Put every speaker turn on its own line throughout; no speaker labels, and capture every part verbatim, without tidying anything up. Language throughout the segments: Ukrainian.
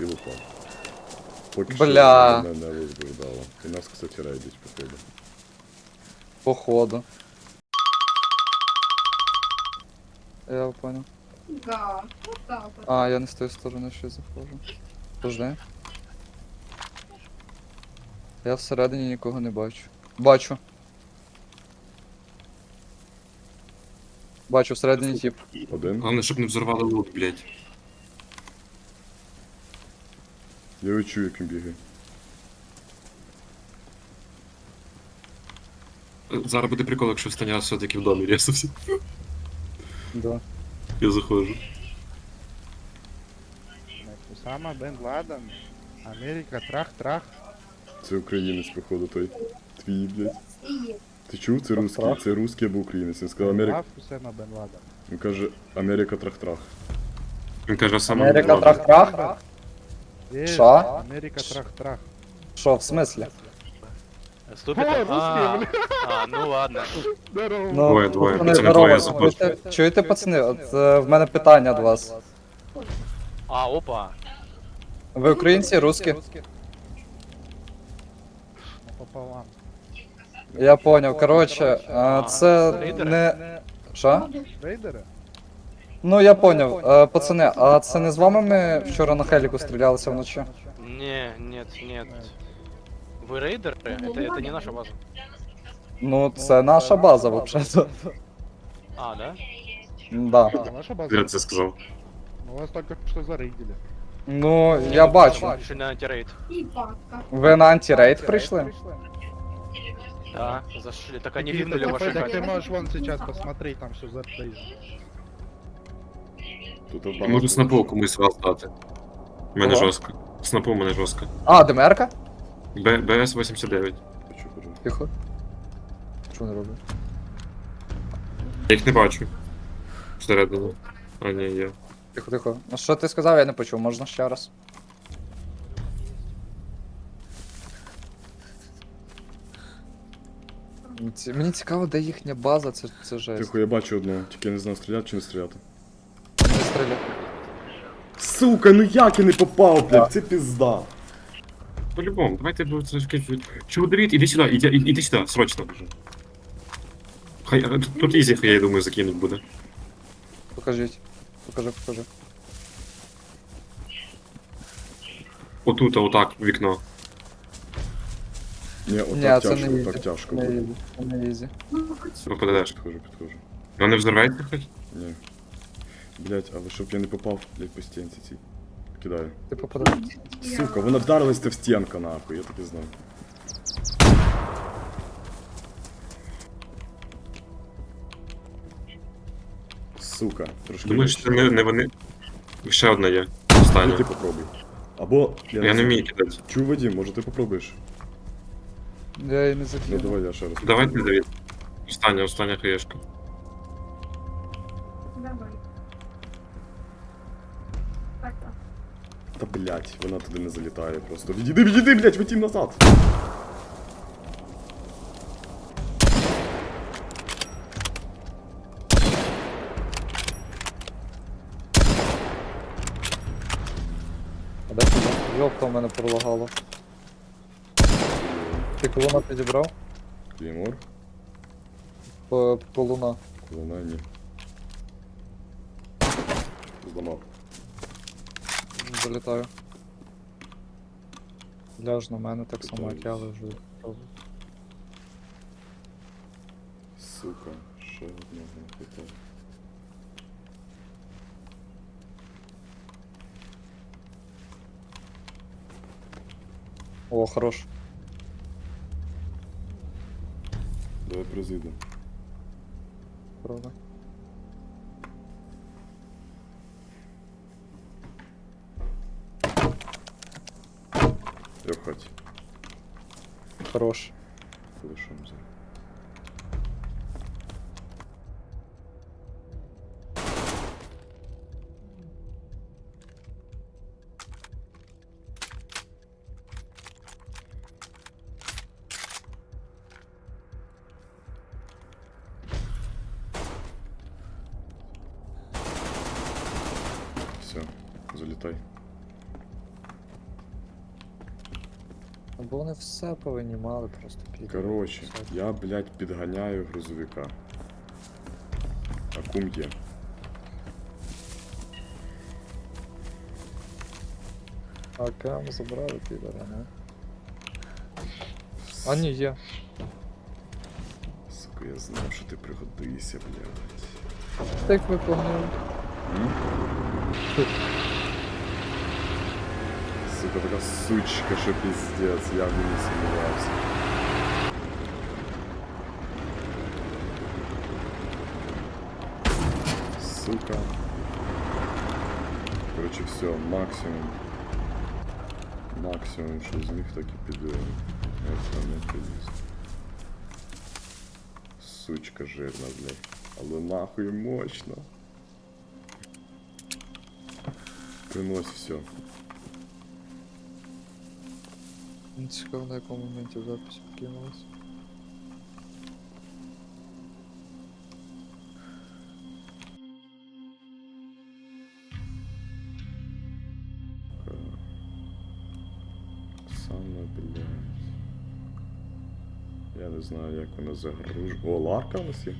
Ти упав. Поки
Бля.
що мене не возбуждало. І нас, кстати, рейдять, походу.
Походу. Я понял.
Да, вот так вот.
А, я не з тої сторони ще заходжу. Подожди. Я всередині нікого не бачу. Бачу. Бачу, всередині тип.
Один.
Головне, щоб не взорвали лут, блядь.
Я відчую, як він бігає.
Зараз буде прикол, якщо останній раз все-таки в домі рісався.
Да.
Я заходжу.
Усама Бен Ладен. Америка, трах-трах.
Це українець, походу, той. Твій, блядь.
И есть.
Ти чув? Це русський. Це русський або українець. Він сказав Америка.
Лав Усама Бен Ладен.
Він каже Америка трах-трах.
Він каже саме.
Америка трах-трах?
Е,
Шо?
Америка, трах-трах.
Що, в смислі?
Ступит?
О,
А,
русский,
а, ну ладно.
Здорово.
Ну,
Двоє, двоє,
пацани,
пацани,
здорово.
двоє, заходь.
Чуєте, чуєте, пацани, от е, в мене питання до вас.
А, опа.
Ви українці, русські?
Пополам.
Я поняв. Коротше, е, це
Рейдери?
не. Що?
Рейдери?
Ну я поняв. Е, Пацани, а це не з вами ми вчора на хеліку стрілялися вночі?
Не, нет, нет. Вы рейдеры? Это, это не наша база.
Ну, це наша база, взагалі.
А, да?
Да.
А, ваша база?
Я це сказав.
Мы вас только что зарейдили.
Ну, я бачу.
Решили на антирейд.
И папка.
Ви на антирейд прийшли?
Да, зашли. Так они
Ты,
виднули
ну,
ваши
так
хаты.
ты можешь вон сейчас посмотреть, там все зарейдено.
Тут
Я
багато.
можу снапу комусь вас дати. У мене
Кого?
жорстко. Снапу у мене жорстко.
А, ДМРка?
Б- БС вісімдесят дев'ять.
Хочу, кажу.
Тихо. Що вони роблять?
Я їх не бачу. Всередині. А, ні, є.
Тихо, тихо. Ну що ти сказав, я не почув, можна ще раз. Ці- Мені цікаво, де їхня база, це, це жесть.
Тихо, я бачу одного, тільки я не знаю, стріляти чи не стріляти.
Не стріляй.
Сука, ну як я не попав, блядь, це пізда.
По-любому, давайте будемо це скажуть. Чудовіт, іди сюди, іди, іди іди сюди, срочно. Хай, а, тут- тут ізі, я думаю, закинуть буде.
Покажіть. Покажи, покажи.
Отут, а отак, в вікно.
Ні,
Ні,
отак
це
тяжко,
не
отак
ізі.
тяжко
Не
буде.
ізі. Це не ізі.
Ну, хоть
Ви подадеш.
Підходжу, підходжу.
Вона не взорветься хоч?
Ні. Блять, але щоб я не попав, блять, по стінці цій. Кидаю.
Ти попадай.
Сука, вона вдарилась в стінка, нахуй, я так і знав. Сука, трошки.
Думаєш,
легше.
це не, не вони. Ще одна є.
Ну,
Остання.
ти попробуй. Або, я,
Я не
знаю.
вмію кидати.
Чув, Вадим, може ти попробуєш?
Я її не
Ну
закину.
давай я ще раз.
Давайте, Давід. Остання, остання хаєшка.
давай. Так, так.
Та блять, вона туди не залітає просто. Відійди, відійди, блять, витім назад!
А де ти? Йопта в мене пролагало. Ти колуна підібрав?
Клеймор,
По, колуна.
колона, ні. Зламав.
Залітаю. Ляж на мене так само, як я лежу.
Сука, ще одного не хватає.
О, хорош.
Давай призиду.
Правда.
Я в хаті.
Хорош.
Лишом зараз. Все, залітай.
Бо вони все повинімали просто під.
Коротше, я, блядь, підганяю грузовика. А кум є.
А кам забрали підора, не? А ні, є.
Сука, я знав, що ти пригодишся, блядь.
Так ви погнали.
М? Сука, така сучка, що пиздец, я в ній не сумнівався. Сука. Короче, все, максимум. Максимум, що з них так і піде. Це не приліз. Сучка жирна, блядь. Але нахуй мощно. Принось все.
Не цікаво, на якому моменті в записі кинулось.
Саме, блядь. Я не знаю, як вона загружена. О, ларка у нас є?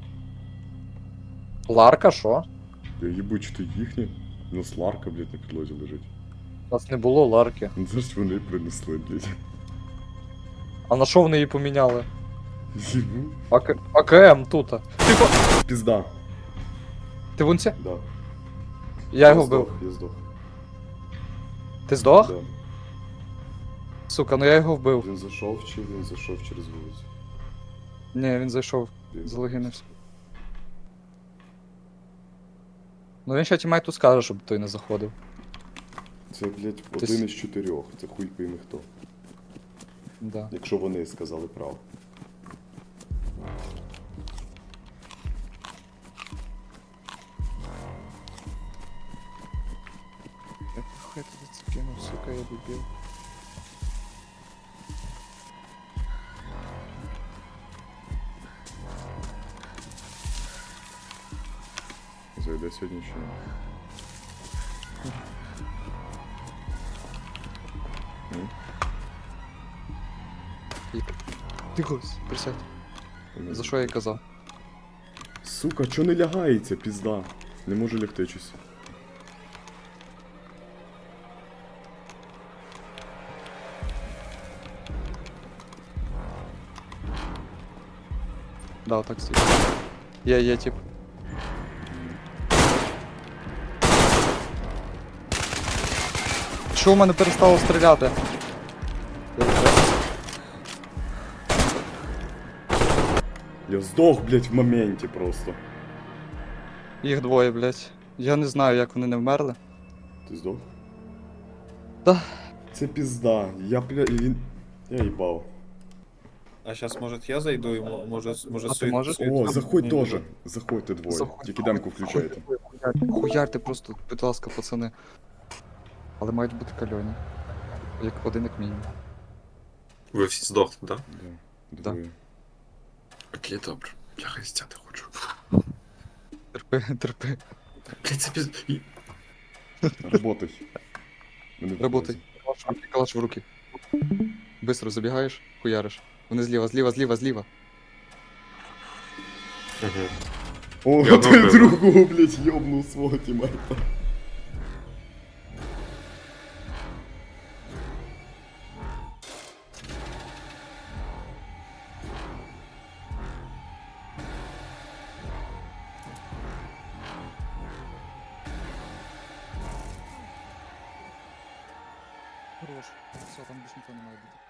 Ларка, що?
Я їбу, чи то їхнє? У нас ларка, блядь, на підлозі лежить.
У нас не було ларки.
Ну це ж вони принесли, блядь.
А на що вони її поміняли?
Їбу.
АК... АКМ тут. Тихо!
Пізда.
Ти вунці?
Да.
Я його
здох,
вбив.
Я здох.
Ти здох?
Да.
Сука, ну я його вбив.
Він зайшов чи він зайшов через вулицю?
Ні, він зайшов.
Він
Залогінився. Ну він ще тімайту скаже, щоб той не заходив.
Це, блядь,
Ти
один
с-
із чотирьох. Це хуй пойми хто.
Да.
Якщо вони сказали правду.
Я хай туди це кинув, сука, я дебіл.
Зайде сьогодні чи ні? М?
Тихо, присядь.
Вони-
За що я й казав?
Сука, чо не лягається, пізда? Не можу лягти щось.
Да, отак стоїть. Є, є, тип. Чого в мене перестало стріляти? Я вже-
Я здох, блядь, в моменті просто.
Їх двоє, блядь. Я не знаю, як вони не вмерли.
Ти здох?
Да.
Це пізда. Я, бля, він... Я їбав.
А сейчас, может, я зайду, и мо- может, может,
А ты можешь?
О, заходь
не
теж.
буде.
Заходьте двоє.
Заходь.
Тільки демку включайте.
Хуярте, хуярте просто, будь ласка, пацани. Але мають бути кальоні. Як один, як мінімум.
Ви всі здохли, да?
Да.
Да.
Двоє.
Окей, добре. Я хрестяти хочу.
Терпи, терпи.
Блять, це піз... І-
Работай. Вони в
Работай.
базі.
Калаш в руки, калаш в руки. Быстро забігаєш, хуяриш. Вони зліва, зліва, зліва, зліва.
Мгм.
О,
Я
ти
одного
другого, блядь, йобнув свого тімейта.
Хорош. Все, там більше ніхто не має бути.